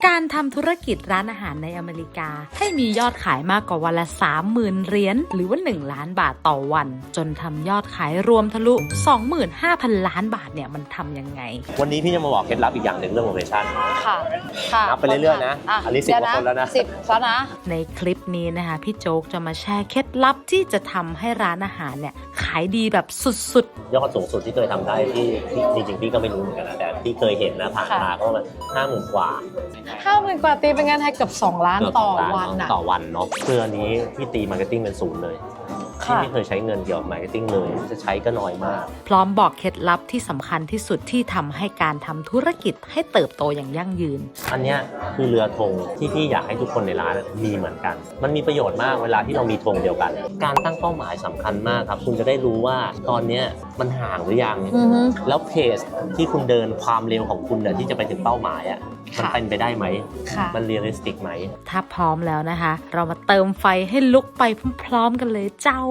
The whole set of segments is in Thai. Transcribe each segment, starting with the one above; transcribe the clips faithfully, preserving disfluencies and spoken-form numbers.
การทำธุรกิจร้านอาหารในอเมริกาให้มียอดขายมากกว่าวันละ สามหมื่น เหรียญหรือว่า หนึ่ง ล้านบาทต่อวันจนทำยอดขายรวมทะลุ สองหมื่นห้าพัน ล้านบาทเนี่ยมันทำยังไงวันนี้พี่จะมาบอกเคล็ดลับอีกอย่างหนึ่งเรื่องโลเคชั่นค่ะค่ะนับไปเรื่อยๆนะอันนี้สิบกว่าคนแล้วนะสิบแล้วนะในคลิปนี้นะคะพี่โจ๊กจะมาแชร์เคล็ดลับที่จะทำให้ร้านอาหารเนี่ยขายดีแบบสุดๆยอดสูงสุดที่เคยทำได้ที่จริงๆพี่ก็ไม่รู้เหมือนกันนะแต่ที่เคยเห็นนะผ่านมาก็ประมาณห้าหมื่นกว่าห้าหมื่นกว่าตีเป็นเงินไทยเกือบสองล้านต่อวันนะต่อวันเนาะเพื่อนี้พี่ตีมาร์เก็ตติ้งเป็นศูนย์เลยที่ไม่เคยใช้เงินเกี่ยวกับมาร์เก็ตติ้งเลยจะใช้ก็น้อยมากพร้อมบอกเคล็ดลับที่สำคัญที่สุดที่ทำให้การทำธุรกิจให้เติบโตอย่างยั่งยืนอันนี้คือเรือธงที่พี่อยากให้ทุกคนในร้านมีเหมือนกันมันมีประโยชน์มากเวลาที่เรามีธงเดียวกันการตั้งเป้าหมายสำคัญมากครับคุณจะได้รู้ว่าตอนนี้มันห่างหรือยังแล้วเพจที่คุณเดินความเร็วของคุณเนี่ยที่จะไปถึงเป้าหมายอ่ะมันเป็นไปได้ไหมมันเรียลลิสติกไหมถ้าพร้อมแล้วนะคะเรามาเติมไฟให้ลุกไปพร้อมๆกันเลยเจ้า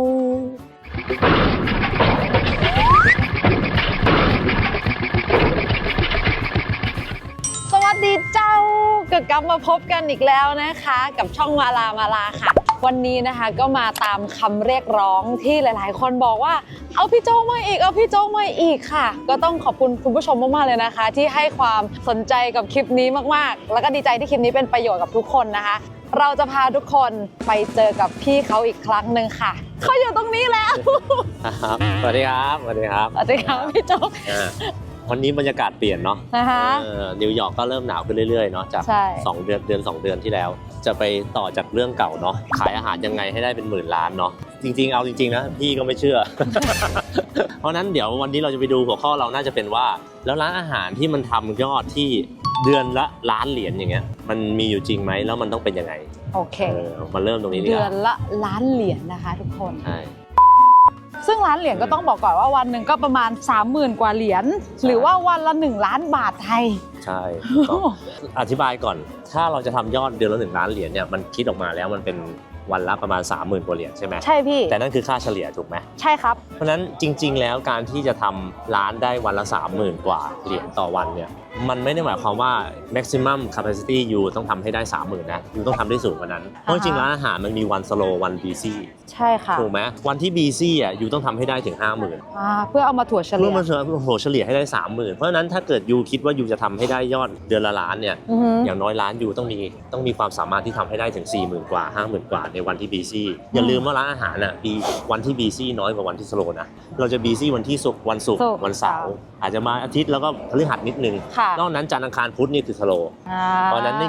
สวัสดีเจ้าก็กลับมาพบกันอีกแล้วนะคะกับช่องมาลามาลาค่ะวันนี้นะคะก็มาตามคำเรียกร้องที่หลายๆคนบอกว่าเอาพี่โจ๊กมาอีกเอาพี่โจ๊กมาอีกค่ะก็ต้องขอบคุณคุณผู้ชมมากๆเลยนะคะที่ให้ความสนใจกับคลิปนี้มากๆแล้วก็ดีใจที่คลิปนี้เป็นประโยชน์กับทุกคนนะคะเราจะพาทุกคนไปเจอกับพี่เขาอีกครั้งหนึ่งค่ะเขาอยู่ตรงนี้แล้วสวัสดีครับสวัสดีครับสวัสดีครับพี่โจ๊กวันนี้บรรยากาศเปลี่ยนเนาะนะคะนิวยอร์กก็เริ่มหนาวขึ้นเรื่อยๆเนาะจากสองเดือนเดือนสองเดือนที่แล้วจะไปต่อจากเรื่องเก่าเนาะขายอาหารยังไงให้ได้เป็นหมื่นล้านเนาะจริงๆเอาจริงๆนะพี่ก็ไม่เชื่อ เพราะนั้นเดี๋ยววันนี้เราจะไปดูหัวข้อเราน่าจะเป็นว่าแล้วร้านอาหารที่มันทำยอดที่เดือนละล้านเหรียญอย่างเงี้ยมันมีอยู่จริงไหมแล้วมันต้องเป็นยังไงโอเคมาเริ่มตรงนี้ดีกว่าเดือนละล้านเหรียญนะคะทุกคนใช่ซึ่งล้านเหรียญก็ต้องบอกก่อนว่าวันหนึ่งก็ประมาณ สามหมื่น กว่าเหรียญหรือว่าวันละหนึ่งล้านบาทไทยใช่อธิบายก่อนถ้าเราจะทำยอดเดือนละหนึ่งล้านเหรียญเนี่ยมันคิดออกมาแล้วมันเป็นวันละประมาณ สามหมื่น กว่าเหรียญใช่ไหมใช่พี่แต่นั่นคือค่าเฉลี่ยถูกไหมใช่ครับเพราะฉะนั้นจริงๆแล้วการที่จะทำร้านได้วันละ สามหมื่น กว่าเหรียญต่อวันเนี่ยมันไม่ได้หมายความว่า maximum capacity อยู่ต้องทำให้ได้ สามหมื่น นะอยู่ต้องทำได้สูงกว่านั้นเพราะจริงๆร้านอาหารมันมีวัน slow วัน busy ใช่ค่ะถูกไหมวันที่ busy อ่ะอยู่ต้องทำให้ได้ถึง ห้าหมื่นอ่าเพื่อเอามาถั่วเฉลี่ยเพื่อมาถั่วเฉลี่ยให้ได้ สามหมื่น เพราะฉะนั้นถ้าเกิดยูคิดว่ายูจะทำให้ได้ยอดเดือนละล้านเนี่ยอย่างน้อยล้านยูต้องมีต้องมีความสามารถที่ทำให้ได้ถึง สี่หมื่น กว่า ห้าหมื่น กว่าในวันที่ busy อย่าลืมว่าร้านอาหารอ่ะมีวันที่ busy น้อยกว่าวันที่ slow นะเราจะ busy วันที่ศุกร์วันศุกร์วันเสาร์อาจจะมาอาทิตย์แล้วก็พฤหัสนิดนึงนอกนั้นจันทร์อังคารพุธนี่คือสโลว์เพราะนั้น